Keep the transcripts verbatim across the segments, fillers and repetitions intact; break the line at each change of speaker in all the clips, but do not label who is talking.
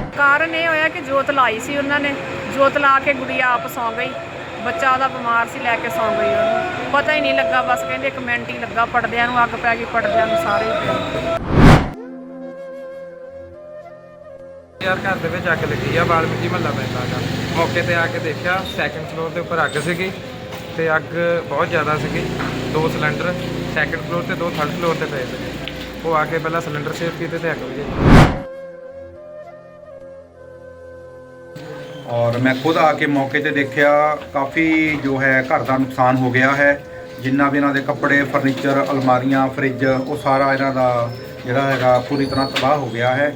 ਕਾਰਨ ਇਹ ਹੋਇਆ ਕਿ ਜੋਤ ਲਾਈ ਸੀ ਉਹਨਾਂ ਨੇ, ਜੋਤ ਲਾ ਕੇ ਗੁੜੀਆ ਆਪ ਸੌਂ ਗਈ। ਬੱਚਾ ਉਹਦਾ ਬਿਮਾਰ ਸੀ, ਲੈ ਕੇ ਸੌਂ ਗਈ ਉਹਨੂੰ। ਪਤਾ ਹੀ ਨਹੀਂ ਲੱਗਾ, ਬਸ ਕਹਿੰਦੇ ਇੱਕ ਮਿੰਟ ਹੀ ਲੱਗਾ, ਪੜਦਿਆਂ ਨੂੰ ਅੱਗ ਪੈ ਗਈ, ਪੜਦਿਆਂ ਨੂੰ ਸਾਰੇ ਹੀ ਪਏ।
ਯਾਰ ਘਰ ਦੇ ਵਿੱਚ ਅੱਗ ਲੱਗੀ ਆ, ਵਾਲਮੀਕੀ ਮਹੱਲਾ ਪੈਂਦਾ ਗਾ। ਮੌਕੇ ਤੇ ਆ ਕੇ ਦੇਖਿਆ ਸੈਕਿੰਡ ਫਲੋਰ ਦੇ ਉੱਪਰ ਅੱਗ ਸੀਗੀ ਤੇ ਅੱਗ ਬਹੁਤ ਜ਼ਿਆਦਾ ਸੀਗੀ। ਦੋ ਸਿਲੰਡਰ ਸੈਕਿੰਡ ਫਲੋਰ ਤੇ ਦੋ ਥਰਡ ਫਲੋਰ ਤੇ ਪਏ ਸੀਗੇ। ਉਹ ਆ ਕੇ ਪਹਿਲਾਂ ਸਿਲੰਡਰ ਸੇਵ ਕੀਤੇ ਤੇ ਅੱਗ ਵਜਾਈ।
और मैं खुद आके मौके पे देखा काफ़ी जो है घर का नुकसान हो गया है। जिन्ना भी इन्हों के कपड़े फर्नीचर अलमारियां फ्रिज वो सारा इन्हों का जोड़ा है पूरी तरह तबाह हो गया है।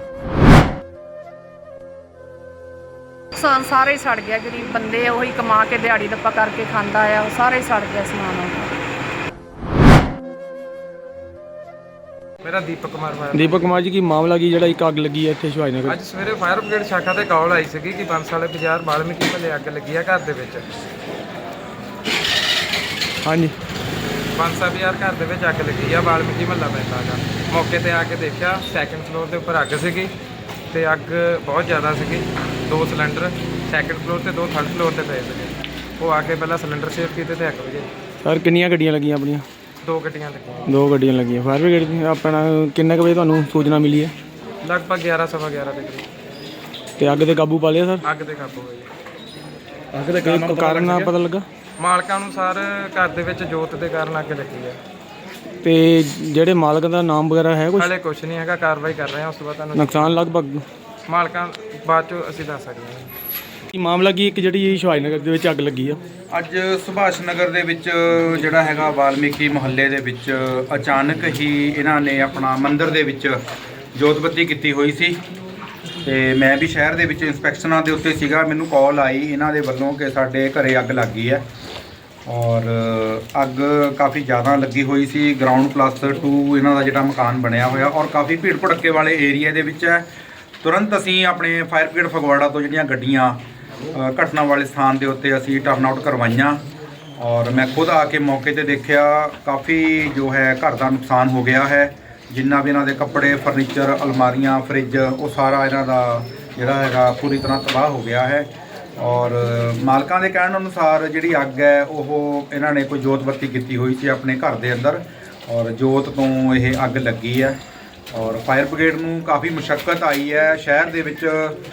नुकसान सारे ही सड़ गया। गरीब बंदे वही कमा के दिहाड़ी दप्पा करके खांदा है, वो सारे ही सड़ गया समान।
मेरा दीपक कुमार फायर
दीपक कुमार जी की मामला की जरा एक अग लगी है इत्थे शिवाजी नगर।
ਅੱਜ ਸਵੇਰੇ ਫਾਇਰ ਬ੍ਰਿਗੇਡ ਸ਼ਾਖਾ ਤੇ ਕਾਲ ਆਈ ਸੀਗੀ ਕਿ ਬੰਸ ਵਾਲੇ ਬਾਜ਼ਾਰ ਵਾਲਮੀਕੀ ਮਹੱਲੇ ਅੱਗ ਲੱਗੀ ਆ ਘਰ ਦੇ ਵਿੱਚ।
ਹਾਂਜੀ
ਬੰਸਾ ਬਾਜ਼ਾਰ ਘਰ ਦੇ ਵਿੱਚ ਅੱਗ ਲੱਗੀ ਆ, ਵਾਲਮੀਕੀ ਮਹੱਲਾ ਪੈਂਦਾ ਗਾ। ਮੌਕੇ ਤੇ ਆ ਕੇ ਦੇਖਿਆ ਸੈਕਿੰਡ ਫਲੋਰ ਦੇ ਉੱਪਰ ਅੱਗ ਸੀਗੀ ਤੇ ਅੱਗ ਬਹੁਤ ਜ਼ਿਆਦਾ ਸੀਗੀ। ਦੋ ਸਿਲੰਡਰ ਸੈਕਿੰਡ ਫਲੋਰ ਤੇ ਦੋ ਥਰਡ ਫਲੋਰ ਤੇ ਪਏ ਸੀਗੇ। ਉਹ ਆ ਕੇ ਪਹਿਲਾਂ ਸਿਲੰਡਰ ਸੇਵ ਕੀਤੇ ਤੇ ਅੱਗ ਵਜਾਈ।
ਸਰ ਕਿੰਨੀਆਂ ਗੱਡੀਆਂ ਲੱਗੀਆਂ ਆਪਣੀਆਂ?
ਦੋ ਗੱਡੀਆਂ ਲੱਗੀਆਂ।
ਦੋ ਗੱਡੀਆਂ ਲੱਗੀਆਂ। ਫਾਇਰ ਬ੍ਰਿਗੇਡ ਦੀ ਆਪਣਾ ਕਿੰਨੇ ਕੁ ਵਜੇ ਤੁਹਾਨੂੰ ਸੂਚਨਾ ਮਿਲੀ ਹੈ?
ਲਗਭਗ ਗਿਆਰਾਂ ਸਵਾ ਗਿਆਰਾਂ ਦੇ ਕਰੀਬ
ਤੇ ਅੱਗ ਤੇ ਕਾਬੂ ਪਾ ਲਿਆ ਸਰ?
ਅੱਗ ਤੇ ਕਾਬੂ ਹੋਈ।
ਅੱਗ ਦੇ ਕਾਰਨ ਨਾ ਪਤਾ ਲੱਗਾ?
ਮਾਲਕਾਂ ਅਨੁਸਾਰ ਘਰ ਦੇ ਵਿੱਚ ਜੋਤ ਦੇ ਕਾਰਨ ਅੱਗ ਲੱਗੀ ਹੈ।
ਤੇ ਜਿਹੜੇ ਮਾਲਕ ਦਾ ਨਾਮ ਵਗੈਰਾ ਹੈ ਕੁਝ?
ਹਾਲੇ ਕੁਝ ਨਹੀਂ ਹੈਗਾ, ਕਾਰਵਾਈ ਕਰ ਰਹੇ ਹਾਂ। ਉਸ ਤੋਂ ਬਾਅਦ ਤੁਹਾਨੂੰ
ਨੁਕਸਾਨ ਲਗਭਗ
ਮਾਲਕਾਂ ਬਾਅਦ ਚੋਂ ਅਸੀਂ ਦੱਸ ਸਕਦੇ ਹਾਂ।
ਕੀ ਮਾਮਲਾ ਕੀ ਇੱਕ ਜਿਹੜੀ ਸ਼ਿਵਾਜੀ ਨਗਰ ਦੇ ਵਿੱਚ ਅੱਗ ਲੱਗੀ ਆ?
ਅੱਜ ਸੁਭਾਸ਼ ਨਗਰ ਦੇ ਵਿੱਚ ਜਿਹੜਾ ਹੈਗਾ ਵਾਲਮੀਕੀ ਮੁਹੱਲੇ ਦੇ ਵਿੱਚ ਅਚਾਨਕ ਹੀ ਇਹਨਾਂ ਨੇ ਆਪਣਾ ਮੰਦਿਰ ਦੇ ਵਿੱਚ ਜੋਤ ਬੱਤੀ ਕੀਤੀ ਹੋਈ ਸੀ ਤੇ ਮੈਂ ਵੀ ਸ਼ਹਿਰ ਦੇ ਵਿੱਚ ਇੰਸਪੈਕਸ਼ਨਾਂ ਦੇ ਉੱਤੇ ਸੀਗਾ। ਮੈਨੂੰ ਕਾਲ ਆਈ ਇਹਨਾਂ ਦੇ ਵੱਲੋਂ ਕਿ ਸਾਡੇ ਘਰੇ ਅੱਗ ਲੱਗ ਗਈ ਹੈ ਔਰ ਅੱਗ ਕਾਫੀ ਜ਼ਿਆਦਾ ਲੱਗੀ ਹੋਈ ਸੀ। ਗਰਾਊਂਡ ਪਲੱਸ ਟੂ ਇਹਨਾਂ ਦਾ ਜਿਹੜਾ ਮਕਾਨ ਬਣਿਆ ਹੋਇਆ ਔਰ ਕਾਫੀ ਭੀੜ ਭੜੱਕੇ ਵਾਲੇ ਏਰੀਆ ਦੇ ਵਿੱਚ ਹੈ। ਤੁਰੰਤ ਅਸੀਂ ਆਪਣੇ ਫਾਇਰ ਬ੍ਰਿਗੇਡ ਫਗਵਾੜਾ ਤੋਂ ਜਿਹੜੀਆਂ ਗੱਡੀਆਂ ਘਟਨਾ ਵਾਲੇ ਸਥਾਨ ਦੇ ਉੱਤੇ ਅਸੀਂ ਟਰਨ ਆਊਟ ਕਰਵਾਈਆਂ ਔਰ ਮੈਂ ਖੁਦ ਆ ਕੇ ਮੌਕੇ ਤੇ ਦੇਖਿਆ ਕਾਫੀ ਜੋ ਹੈ ਘਰ ਦਾ ਨੁਕਸਾਨ ਹੋ ਗਿਆ ਹੈ। ਜਿੰਨਾ ਵੀ ਇਹਨਾਂ ਦੇ ਕੱਪੜੇ ਫਰਨੀਚਰ ਅਲਮਾਰੀਆਂ ਫਰਿੱਜ ਉਹ ਸਾਰਾ ਇਹਨਾਂ ਦਾ ਜਿਹੜਾ ਹੈਗਾ ਪੂਰੀ ਤਰ੍ਹਾਂ ਤਬਾਹ ਹੋ ਗਿਆ ਹੈ ਔਰ ਮਾਲਕਾਂ ਦੇ ਕਹਿਣ ਅਨੁਸਾਰ ਜਿਹੜੀ ਅੱਗ ਹੈ ਉਹ ਇਹਨਾਂ ਨੇ ਕੋਈ ਜੋਤ ਬੱਤੀ ਕੀਤੀ ਹੋਈ ਸੀ ਆਪਣੇ ਘਰ ਦੇ ਅੰਦਰ ਔਰ ਜੋਤ ਤੋਂ ਇਹ ਅੱਗ ਲੱਗੀ ਹੈ ਔਰ ਫਾਇਰ ਬ੍ਰਿਗੇਡ ਨੂੰ ਕਾਫੀ ਮੁਸ਼ੱਕਤ ਆਈ ਹੈ। ਸ਼ਹਿਰ ਦੇ ਵਿੱਚ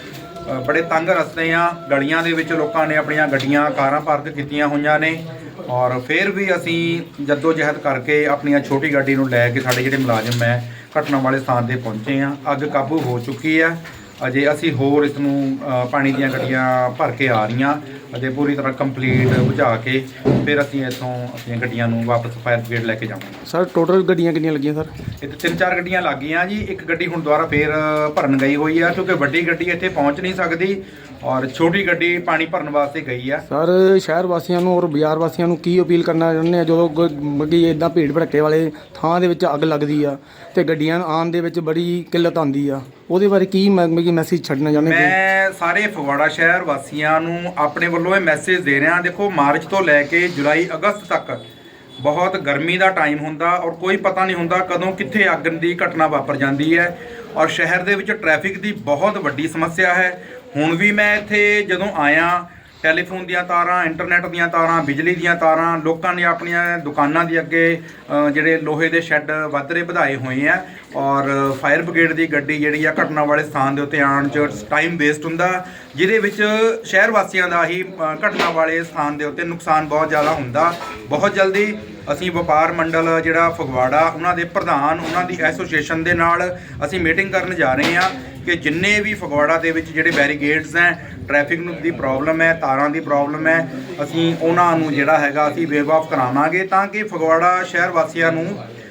ਬੜੇ ਤੰਗ ਰਸਤੇ ਆ, ਗਲੀਆਂ ਦੇ ਵਿੱਚ ਲੋਕਾਂ ਨੇ ਆਪਣੀਆਂ ਗੱਡੀਆਂ ਕਾਰਾਂ ਪਾਰਕ ਕੀਤੀਆਂ ਹੋਈਆਂ ਨੇ ਔਰ ਫਿਰ ਵੀ ਅਸੀਂ ਜੱਦੋ ਜਹਿਦ ਕਰਕੇ ਆਪਣੀਆਂ ਛੋਟੀ ਗੱਡੀ ਨੂੰ ਲੈ ਕੇ ਸਾਡੇ ਜਿਹੜੇ ਮੁਲਾਜ਼ਮ ਹੈ ਘਟਨਾ ਵਾਲੇ ਸਥਾਨ ਤੇ ਪਹੁੰਚੇ ਆ। ਅੱਗ ਕਾਬੂ ਹੋ ਚੁੱਕੀ ਹੈ। ਅਜੇ ਅਸੀਂ ਹੋਰ ਇਸ ਨੂੰ ਪਾਣੀ ਦੀਆਂ ਗੱਡੀਆਂ ਭਰ ਕੇ ਆ ਰਹੀਆਂ ਅਜੇ ਪੂਰੀ ਤਰ੍ਹਾਂ ਕੰਪਲੀਟ ਬੁਝਾ ਕੇ ਫਿਰ ਅਸੀਂ ਇੱਥੋਂ ਆਪਣੀਆਂ ਗੱਡੀਆਂ ਨੂੰ ਵਾਪਸ ਫਾਇਰ ਬ੍ਰਿਗੇਡ ਲੈ ਕੇ ਜਾਵਾਂਗੇ।
ਸਰ ਟੋਟਲ ਗੱਡੀਆਂ ਕਿੰਨੀਆਂ ਲੱਗੀਆਂ ਸਰ?
ਇੱਥੇ ਤਿੰਨ ਚਾਰ ਗੱਡੀਆਂ ਲੱਗ ਗਈਆਂ ਜੀ। ਇੱਕ ਗੱਡੀ ਹੁਣ ਦੁਬਾਰਾ ਫੇਰ ਭਰਨ ਗਈ ਹੋਈ ਆ ਕਿਉਂਕਿ ਵੱਡੀ ਗੱਡੀ ਇੱਥੇ ਪਹੁੰਚ ਨਹੀਂ ਸਕਦੀ ਔਰ ਛੋਟੀ ਗੱਡੀ ਪਾਣੀ ਭਰਨ ਵਾਸਤੇ ਗਈ ਆ।
ਸਰ ਸ਼ਹਿਰ ਵਾਸੀਆਂ ਨੂੰ ਔਰ ਬਾਜ਼ਾਰ ਵਾਸੀਆਂ ਨੂੰ ਕੀ ਅਪੀਲ ਕਰਨਾ ਚਾਹੁੰਦੇ ਆ ਜਦੋਂ ਮੱਗੀ ਇਦਾਂ ਭੀੜ ਭੜੱਕੇ ਵਾਲੇ ਥਾਂ ਦੇ ਵਿੱਚ ਅੱਗ ਲੱਗਦੀ ਆ ਤੇ ਗੱਡੀਆਂ ਆਉਣ ਦੇ ਵਿੱਚ ਬੜੀ ਕਿੱਲਤ ਆਉਂਦੀ ਆ, ਉਹਦੇ ਬਾਰੇ ਕੀ ਮੈਂ ਮੈਸੇਜ ਛੱਡਣਾ ਚਾਹੁੰਦੇ?
ਮੈਂ ਸਾਰੇ ਫਗਵਾੜਾ ਸ਼ਹਿਰ ਵਾਸੀਆਂ ਨੂੰ ਆਪਣੇ ਵੱਲੋਂ ਇਹ ਮੈਸੇਜ ਦੇ ਰਿਹਾ। ਦੇਖੋ ਮਾਰਚ ਤੋਂ ਲੈ ਕੇ ਜੁਲਾਈ ਅਗਸਤ ਤੱਕ ਬਹੁਤ ਗਰਮੀ ਦਾ ਟਾਈਮ ਹੁੰਦਾ ਔਰ ਕੋਈ ਪਤਾ ਨਹੀਂ ਹੁੰਦਾ ਕਦੋਂ ਕਿੱਥੇ ਅੱਗ ਦੀ ਘਟਨਾ ਵਾਪਰ ਜਾਂਦੀ ਹੈ ਔਰ ਸ਼ਹਿਰ ਦੇ ਵਿੱਚ ਟ੍ਰੈਫਿਕ ਦੀ ਬਹੁਤ ਵੱਡੀ ਸਮੱਸਿਆ ਹੈ। ਹੁਣ ਵੀ ਮੈਂ ਇੱਥੇ ਜਦੋਂ ਆਇਆ ਟੈਲੀਫੋਨ ਦੀਆਂ ਤਾਰਾਂ ਇੰਟਰਨੈਟ ਦੀਆਂ ਤਾਰਾਂ ਬਿਜਲੀ ਦੀਆਂ ਤਾਰਾਂ ਲੋਕਾਂ ਨੇ ਆਪਣੀਆਂ ਦੁਕਾਨਾਂ ਦੇ ਅੱਗੇ ਜਿਹੜੇ ਲੋਹੇ ਦੇ ਸ਼ੈੱਡ ਵੱਧਰੇ ਵਧਾਏ ਹੋਏ ਆ ਔਰ ਫਾਇਰ ਬ੍ਰਿਗੇਡ ਦੀ ਗੱਡੀ ਜਿਹੜੀ ਆ ਘਟਨਾ ਵਾਲੇ ਸਥਾਨ ਦੇ ਉੱਤੇ ਆਉਣ 'ਚ ਟਾਈਮ ਵੇਸਟ ਹੁੰਦਾ ਜਿਹਦੇ ਵਿੱਚ ਸ਼ਹਿਰ ਵਾਸੀਆਂ ਦਾ ਹੀ ਘਟਨਾ ਵਾਲੇ ਸਥਾਨ ਦੇ ਉੱਤੇ ਨੁਕਸਾਨ ਬਹੁਤ ਜ਼ਿਆਦਾ ਹੁੰਦਾ। ਬਹੁਤ ਜਲਦੀ ਅਸੀਂ ਵਪਾਰ ਮੰਡਲ ਜਿਹੜਾ ਫਗਵਾੜਾ ਉਹਨਾਂ ਦੇ ਪ੍ਰਧਾਨ ਉਹਨਾਂ ਦੀ ਐਸੋਸੀਏਸ਼ਨ ਦੇ ਨਾਲ ਅਸੀਂ ਮੀਟਿੰਗ ਕਰਨ ਜਾ ਰਹੇ ਹਾਂ ਕਿ ਜਿੰਨੇ ਵੀ ਫਗਵਾੜਾ ਦੇ ਵਿੱਚ ਜਿਹੜੇ ਬੈਰੀਗੇਡਸ ਹੈ ਟ੍ਰੈਫਿਕ ਨੂੰ ਦੀ ਪ੍ਰੋਬਲਮ ਹੈ ਤਾਰਾਂ ਦੀ ਪ੍ਰੋਬਲਮ ਹੈ ਅਸੀਂ ਉਹਨਾਂ ਨੂੰ ਜਿਹੜਾ ਹੈਗਾ ਅਸੀਂ ਵੇਵ ਆਫ ਕਰਾਵਾਂਗੇ ਤਾਂ ਕਿ ਫਗਵਾੜਾ ਸ਼ਹਿਰ ਵਾਸੀਆਂ ਨੂੰ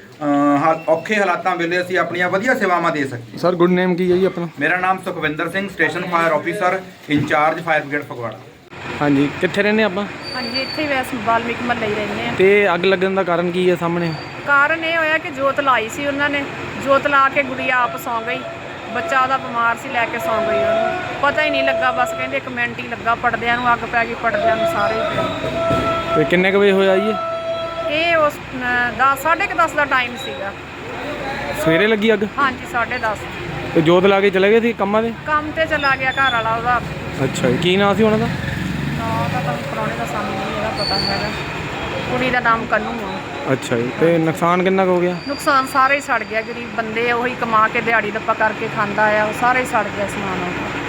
ਔਖੇ ਹਾਲਾਤਾਂ ਵੇਲੇ ਅਸੀਂ ਆਪਣੀਆਂ ਵਧੀਆ ਸੇਵਾਵਾਂ ਦੇ ਸਕੀਏ।
ਸਰ ਗੁੱਡ ਨੇਮ ਕੀ ਹੈ ਜੀ ਆਪਣਾ?
ਮੇਰਾ ਨਾਮ Sukhwinder Singh station fire officer incharge fire brigade Phagwara.
ਹਾਂਜੀ ਕਿੱਥੇ ਰਹਿੰਦੇ ਆਪਾਂ?
ਹਾਂਜੀ ਇੱਥੇ ਹੀ ਵੈਸੇ ਵਾਲਮੀਕੀ ਮਹੱਲੇ ਹੀ ਰਹਿੰਦੇ ਆ।
ਤੇ ਅੱਗ ਲੱਗਣ ਦਾ ਕਾਰਨ ਕੀ ਹੈ ਸਾਹਮਣੇ?
ਕਾਰਨ ਇਹ ਹੋਇਆ ਕਿ ਜੋਤ ਲਾਈ ਸੀ ਉਹਨਾਂ ਨੇ, ਜੋਤ ਲਾ ਕੇ ਗੁੜੀਆ ਆਪ ਸੌਂ ਗਈ। ਬੱਚਾ ਉਹਦਾ ਬਿਮਾਰ ਸੀ, ਲੈ ਕੇ ਸੌਂ ਗਈ ਉਹਨੂੰ। ਪਤਾ ਹੀ ਨਹੀਂ ਲੱਗਾ, ਬਸ ਕਹਿੰਦੇ ਇੱਕ ਮਿੰਟ ਹੀ ਲੱਗਾ, ਪੜਦਿਆਂ ਨੂੰ ਅੱਗ ਪੈ ਗਈ, ਪੜਦਿਆਂ ਨੂੰ ਸਾਰੇ ਹੀ ਪਏ।
ਤੇ ਕਿੰਨੇ ਕੁ ਵਜੇ ਹੋਇਆ ਜੀ
ਇਹ ਉਸ ਦਸ ਸਾਢੇ ਕੁ ਦਸ ਦਾ ਟਾਈਮ ਸੀਗਾ।
ਸਵੇਰੇ ਲੱਗੀ ਅੱਗ?
ਹਾਂਜੀ ਸਾਢੇ ਦਸ।
ਤੇ ਜੋਤ ਲਾ ਕੇ ਚਲੇ ਗਏ ਸੀ ਕੰਮਾਂ ਦੇ?
ਕੰਮ ਤੇ ਚਲਾ ਗਿਆ ਘਰ ਵਾਲਾ ਉਹਦਾ।
ਅੱਛਾ ਜੀ, ਕੀ ਨਾਂ ਸੀ ਉਹਨਾਂ ਦਾ?
ਨਾਂ ਦਾ ਤਾਂ ਪੁਰਾਣੇ ਦਾ ਸਾਨੂੰ ਨਹੀਂ ਇਹਦਾ ਪਤਾ ਹੈਗਾ। ਕੁੜੀ ਦਾ ਨਾਮ ਕੰਨੂ ਆ।
ਅੱਛਾ ਜੀ, ਤੇ ਨੁਕਸਾਨ ਕਿੰਨਾ ਕੁ ਹੋ ਗਿਆ?
ਨੁਕਸਾਨ ਸਾਰਾ ਹੀ ਸੜ ਗਿਆ। ਗਰੀਬ ਬੰਦੇ ਆ, ਉਹੀ ਕਮਾ ਕੇ ਦਿਹਾੜੀ ਦੱਪਾ ਕਰਕੇ ਖਾਂਦਾ ਆ, ਉਹ ਸਾਰਾ ਹੀ ਸੜ ਗਿਆ ਸਮਾਨ ਉਹਦਾ।